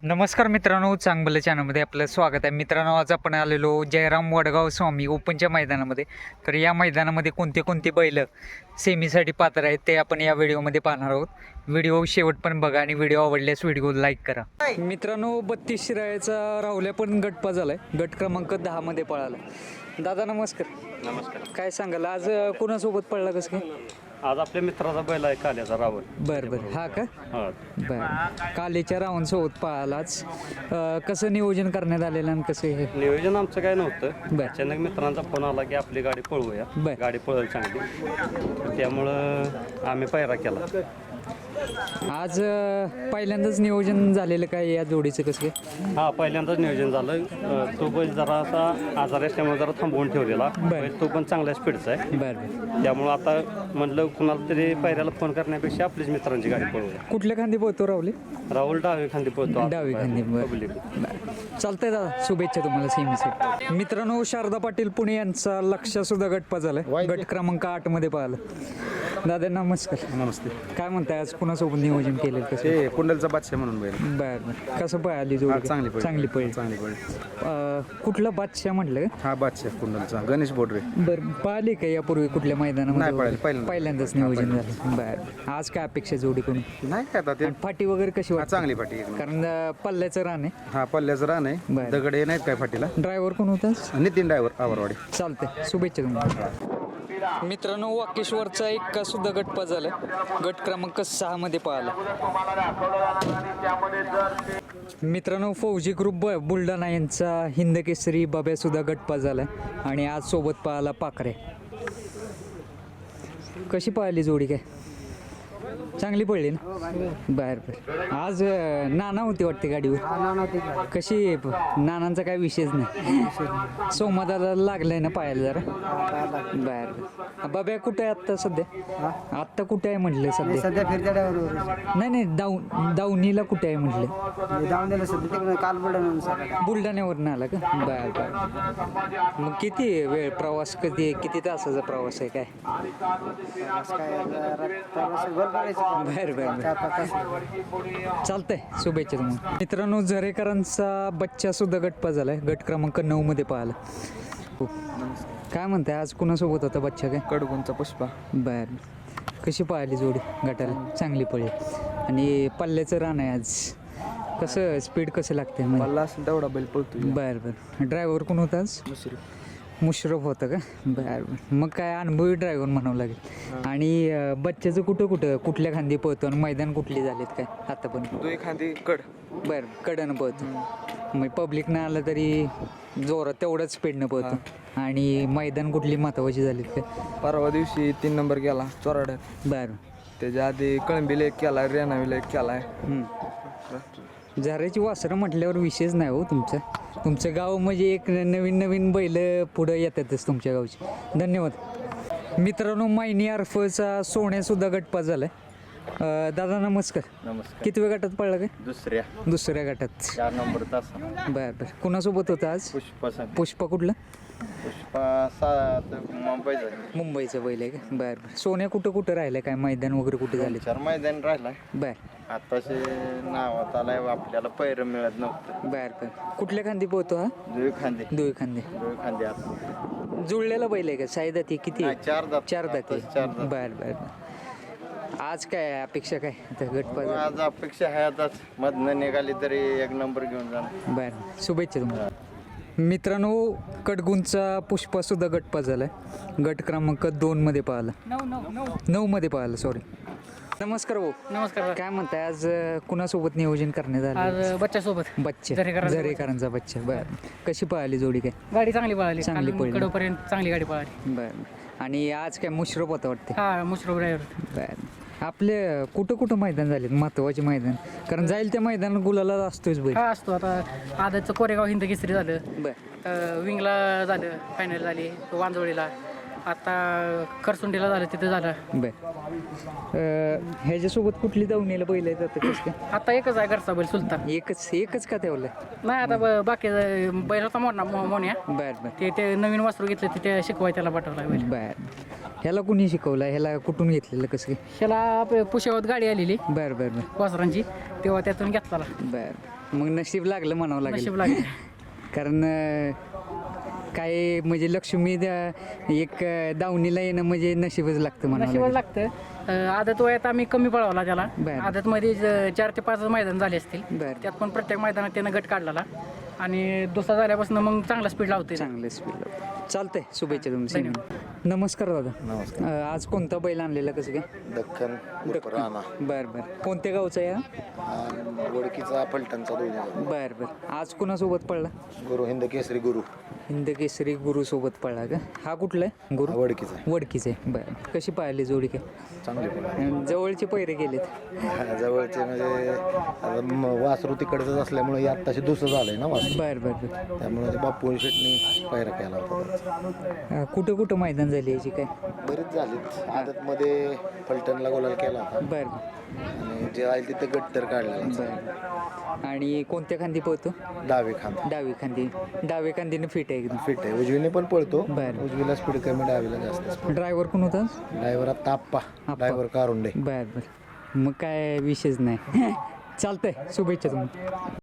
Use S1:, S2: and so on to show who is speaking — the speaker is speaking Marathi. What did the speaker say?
S1: नमस्कार मित्रांनो, चांगलं चॅनलमध्ये आपलं स्वागत आहे. मित्रांनो, आज आपण आलेलो जयराम वडगाव स्वामी ओपनच्या मैदानामध्ये. तर या मैदानामध्ये कोणते कोणते बैल सेमीसाठी पात्र आहेत ते आपण या व्हिडिओमध्ये पाहणार आहोत. व्हिडिओ शेवट पण बघा आणि व्हिडिओ आवडल्यास व्हिडिओ लाईक करा. मित्रांनो, 32 शिराळ्याचा राहुल्या पण गटपा झालाय, गट क्रमांक 10 मध्ये पळाला. दादा नमस्कार.
S2: नमस्कार.
S1: काय सांगाल आज कोणासोबत पळला कसं काय?
S2: आज आपल्या मित्राचा बैल आहे काल्याचा रावण.
S1: बरं हा का?
S2: हा.
S1: बरं, कालेच्या रावणसोबत पळालाच. कसं नियोजन करण्यात आलेलं आणि कसं हे?
S2: नियोजन आमचं काय नव्हतं.
S1: बरं.
S2: अचानक मित्रांचा फोन आला की आपली गाडी पळवूया.
S1: बरं.
S2: गाडी पळेल चांगली, त्यामुळं आम्ही पायरा केला.
S1: आज पहिल्यांदाच नियोजन झालेलं काय या जोडीचं कसं काय?
S2: हा, पहिल्यांदाच नियोजन झालं. तो बैल जरा असा आजारी असल्यामुळे जरा थांबवून ठेवलेला बैल. तो पण चांगल्या स्पीडचा आहे.
S1: बरं.
S2: त्यामुळं आता म्हटलं कुणाला तरी पायऱ्याला फोन करण्यापेक्षा आपलीच मित्रांची गाडी पळवूया.
S1: कुठल्या खांदी पोहतो राहुले?
S2: राहुल डावी खांदी पळतो.
S1: डावी खांदी.
S2: पब्लिक.
S1: चालतंय दादा, शुभेच्छा तुम्हाला सेमीसाठी. मित्रांनो, शारदा पाटील पुणे यांचा लक्ष सुद्धा गटपा झालाय, गट क्रमांक 8 मध्ये पाहिलं. दादा नमस्कार.
S3: नमस्ते.
S1: काय म्हणताय आज कुणासोबत नियोजन केलेलं कसं?
S3: ते कुंडलचा बादशाह म्हणून बैल.
S1: बरं. कसं पळाली जोडी?
S3: चांगली
S1: चांगली पळली.
S3: चांगली बैल.
S1: कुठला बादशाह म्हटलं?
S3: हा बादशाह कुंडलचा गणेश बोडरे.
S1: बरं, पाहिले का यापूर्वी कुठल्या मैदानामध्ये?
S3: नाही पाहिलं.
S1: पहिल्यांदाच नियोजन झालं. बरं, आज काय अपेक्षा जोडी कोण?
S3: नाही काय आता ते
S1: फाटी वगैरे कशी वाटते?
S3: चांगली फाटी एक नंबर.
S1: कारण पल्ल्याचं रान आहे.
S3: हा पल्ल्याचं रान आहे.
S1: बरं.
S3: दगड हे नाहीत काय फाटीला.
S1: ड्रायव्हर कोण होता?
S3: नितीन ड्रायव्हर आवरवाडी.
S1: चालतंय, शुभेच्छा तुम्हाला. मित्रांनो, वाकेश्वरचा एक सुद्धा गटपा झाला, गट क्रमांक 6 मध्ये पळाला. मित्रांनो, फौजी ग्रुप बुलढाणा यांचा हिंद केसरी बाब्या सुद्धा गटपा झालाय आणि आज सोबत पळाला पाखरे. कशी पळाली जोडी? काय चांगली पडली ना? बर बर. आज नाना होती वाटते गाडीवर. कशी? नानांचा काय विषयच नाही. सोमादाला लागलाय ना पायाला जरा. बर. बाब्या कुठे आहे आत्ता सध्या? आत्ता कुठे आहे म्हटलं सध्या?
S4: सध्या फिरत्या ड्रायव्हर.
S1: नाही दावणीला कुठे आहे म्हटलं?
S4: दावणीला सध्या तिकडे काल
S1: बुलढाण्यावरून आला का? बर बर. मग किती वेळ प्रवास, किती तासाचा प्रवास आहे काय? बर बर. चालतंय, शुभेच्छा तुम्हाला. मित्रांनो, झरेकरांचा बच्चा सुद्धा गटपा झालाय, गट क्रमांक 9 मध्ये पाहिला. काय म्हणताय आज कुणासोबत होता बच्चा? काय
S4: कडगुंचा पुष्पा.
S1: बर. कशी पाहिली जोडी? गटाला चांगली पडली आणि पल्ल्याचं रान आहे आज. कसं स्पीड कसं लागते?
S4: मला असं तेवढा बैल पळतो.
S1: बर बर. ड्रायव्हर कोण होता आज? मुश्रफ होतं का? बरं. मग काय अनुभवी ड्रायव्हर म्हणावं लागेल. आणि बच्च्याचं कुठल्या खांदी पळतो आणि मैदान कुठली झालीत काय आता पण?
S4: तू खांदी कड.
S1: बरं, कडनं पळतो. मग पब्लिकनं आलं तरी जोरात तेवढंच स्पीडनं पळतो. आणि मैदान कुठली महत्वाची झालीत काय?
S4: परवा दिवशी 3 नंबर केला चोराड्यात.
S1: बरं.
S4: त्याच्या आधी कळंबीला 1 केला, रेणावीला 1 केलाय.
S1: झऱ्याची वासरं म्हटल्यावर विशेष नाही हो तुमचं. तुमचं गाव म्हणजे एक नवीन बैल पुढं येतातच तुमच्या गावची. धन्यवाद. मित्रांनो, मायनी अर्फचा सोन्यासुद्धा गटपा झालाय. दादा नमस्कार.
S2: नमस्कार.
S1: किती वेळ गटात पडला काय? दुसऱ्या गटात.
S2: 4 नंबर तास.
S1: बरं. कुणासोबत होता आज? पुष्पा कुठला? मुंबईचं बैल आहे का? बरं. सोन्या कुठं राहिलं काय? मैदान वगैरे कुठे झाले?
S5: 4 मैदान राहिलाय.
S1: बरं.
S5: आताशे नावात आलाय, आपल्याला पैर मिळत नव्हतं.
S1: बरं. कुठल्या खांदी पोहतो हा?
S5: दुई खांदे
S1: जुळलेला बैल आहे का? साईदा ती किती?
S5: 4 दात.
S1: 4 दाते.
S5: 4 दात.
S1: बरं. आज काय अपेक्षा काय आता गटपा?
S5: आज अपेक्षा आहे आता मधनं निघाली तरी 1 नंबर घेऊन जाणार.
S1: बरं, शुभेच्छा तुम्हाला. मित्रांनो, कडगुंचा पुष्पा सुद्धा गटपा झालाय, गट क्रमांक 2 मध्ये पाहिला. 9 मध्ये पाहिला, सॉरी. नमस्कार भाऊ.
S6: नमस्कार.
S1: काय म्हणताय आज कुणासोबत नियोजन करण्यात आलं?
S6: आज बच्च्यासोबत.
S1: बच्चा
S6: झरेकरांचा
S1: बच्चा. बरं. कशी पळाली जोडी? काय
S6: गाडी चांगली पळाली.
S1: चांगली पळली.
S6: कडोपर्यंत चांगली गाडी पळाली.
S1: बरं. आणि आज काय मुश्रफ होता वाटते?
S6: हा, मुश्रफ ड्रायव्हर.
S1: बरं. आपले कुठं मैदान झालेत महत्वाचे मैदान? कारण जाईल त्या मैदान गुलाला असतोच बैल.
S6: हा असतो. आता आदतचं कोरेगाव हिंद केसरी झालं.
S1: बरं.
S6: विंगला झालं, फायनल झाली. वांजोळीला. आता करसुंडीला झालं, तिथं झालं.
S1: बरं. ह्याच्यासोबत कुठली दावणीला बैल आहेत आता? कसं काय?
S6: आता एकच आहे घरचा बैल, सुलतान.
S1: एकच का ठेवलं?
S6: नाही, आता बाकी बैल होता मोन्या.
S1: बरं.
S6: ते नवीन वासरू घेतलं, ते शिकवाय त्याला पाठवला बैल.
S1: बरं. ह्याला कुणी शिकवलं? ह्याला कुठून घेतलेलं कसं काय?
S6: ह्याला पुशेगावात गाडी आलेली
S1: बरं
S6: वासरांची, तेव्हा त्यातून घेतला.
S1: बरं. मग नशीब लागलं म्हणावं लागेल
S6: नशीब लागले
S1: कारण काय म्हणजे लक्ष्मी एक दावणीला येणं म्हणजे नशीबच लागतं म्हणावं
S6: नशिबाला
S1: लागेल.
S6: लागतं. आदत वयात आम्ही कमी पळवला त्याला.
S1: बरं.
S6: आदतमध्ये 4 ते 5 मैदान झाले असतील.
S1: बरं.
S6: त्यात पण प्रत्येक मैदानात त्यानं गट काढलेला आणि दुसरा झाल्यापासून मग चांगला स्पीड लावते.
S1: चांगलं स्पीड चालतंय. शुभेच्छा तुमच्या नमस्कार दादा.
S5: नमस्कार.
S1: आज कोणता बैल आणलेला कसं काय?
S5: दख्खन राणा
S1: बर बर कोणत्या गावचा या?
S5: वडकीचा पलटणचा दोन्ही
S1: बर बर आज कुणासोबत पडला?
S5: गुरु हिंद केसरी गुरु
S1: हिंद केसरी गुरु सोबत पडला का? हा कुठला आहे गुरु?
S5: वडकीचा
S1: वडकीचे बर कशी पाहिली जोडी काय?
S5: चांगली पण
S1: जवळचे पैरे गेलेत.
S5: जवळचे म्हणजे आता वासरू तिकडचंच असल्यामुळे हे आत्ताशी दुसरं झालंय ना वासरू,
S1: बर बर बर
S5: त्यामुळे ते बापू शेटनी पायरा केला होता.
S1: कुठं कुठं मैदान झाली याची काय?
S5: बरेच झालेत. आदतमध्ये फलटणला गोलाल केला होता
S1: बर
S5: आणि जे आहे तिथे गट तर काढलेला.
S1: बर आणि कोणत्या खांदी पळतो?
S5: डावे खांदा
S1: डावी खांदीनं फिट आहे एकदम.
S5: फिट आहे. उजवीने पण पळतो.
S1: बरं.
S5: उजवीला स्पीड कमी, डावीला जास्त.
S1: ड्रायव्हर कोण होता?
S5: ड्रायव्हर आता आप्पा, ड्रायव्हर कारुंडे.
S1: बर बर मग काय विषयच नाही. चालतंय. शुभेच्छा तुम्हाला.